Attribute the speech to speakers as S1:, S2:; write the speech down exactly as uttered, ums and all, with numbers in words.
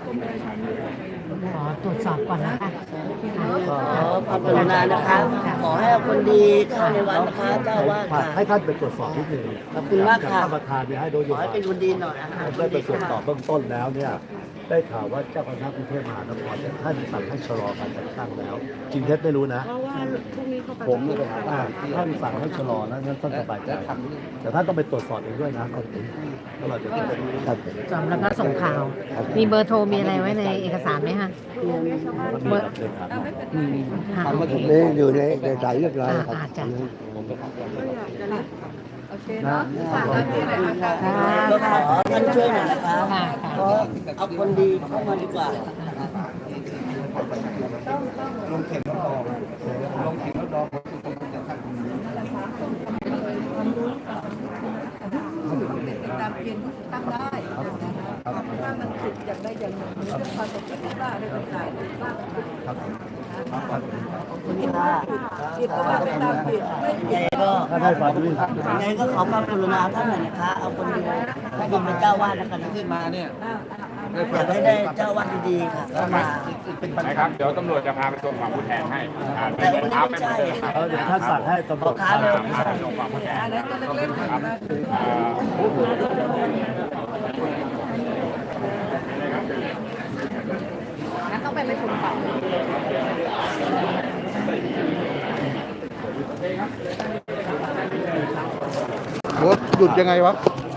S1: ขอตรวจสอบก่อนนะคะ
S2: ขอความกรุณานะคะขอให้เอาคนดีเข้าในวัดนะคะเจ้าอาวาสค่ะ
S3: ให้ท่านไปตรวจสอบนิดหนึ่ง
S2: ขอบคุณมากค่ะ
S3: ท่านประธานเนี่ยให้โดย
S2: ขอให้เป็นคนดีหน่อยนะคะ
S3: ได้ไปตรวจสอบเบื้องต้นแล้วเนี่ยได้ข่าวว่าเจ้าคณะกรุงเทพมหานครเนี่ยท่านสั่งให้ชะลอการแต่งตั้งแล้ว จริงเท็จไม่รู้นะ
S4: เพราะว่าพรุ่งนี้เขาประ
S3: ผมเนี่ยไปหาว่าท่านสั่งให้ชะลอนะงั้นท่านสบายใจแต่ท่านต้องไปตรวจสอบเองด้วยนะก่อนถึงถ้าเราจะเป็นครับ
S1: จำแล้วก็ส่งข่าว มีเบอร์โทรมีอะไรไว้ในเอกสารไหมคะ
S3: เบอร์เลยครับ
S1: ค่ะ
S5: ทำ
S1: โอ
S5: มา
S1: เค
S5: ถึงนี้อยู่ในเอกสารเรียบร้อยครับ
S1: อาจจะ
S3: นะ
S2: ก็ขอท่านช่วยหน่อยนะคะ
S1: ค่ะ
S2: เพราะเอาคนดีเข้ามาดีกว่า
S4: ตามเกณฑ์ที่ตั้งได้ถ้ามันผิดอย่างใดอย่างหนึ่งเรื่องความสมคิดว่าอะไรต่างๆว่ากันไป
S2: ขอบคุณค่ะ
S4: ผิดก็ว่าไปตามผิดไม่
S2: ยังไงก็
S3: ถ้าได้ความรู้
S2: ยังไงก็ขอความกรุณาท่านหน่อยนะคะ เอาคนดีให้ผมเป็นเจ้าวาดแล้วกันนะมาเนี่ยอยากให้ได้เจ้าวาดดีๆค่ะเข้ามา
S6: นะครับ เดี๋ยวตำรวจจะพาไปส่งความผู้แทนให้อ่า
S2: แต่
S6: เดิ
S2: วัน
S6: น
S2: นี้
S6: เท้า
S2: ไม่
S6: ไปเหมื
S2: ใช่
S6: อนเดิมครับ
S3: เออเดี๋ยวท่านสั่งให้ตำรวจ
S2: ค้าเร็วไม่
S6: พา
S2: ใช่
S6: ไปส่งความผู้แทน
S4: อะไรก็เล็กๆนะ
S6: อ่า
S4: งั้นต้องไปประชุมต่อ
S5: รถหยุดยังไงวะ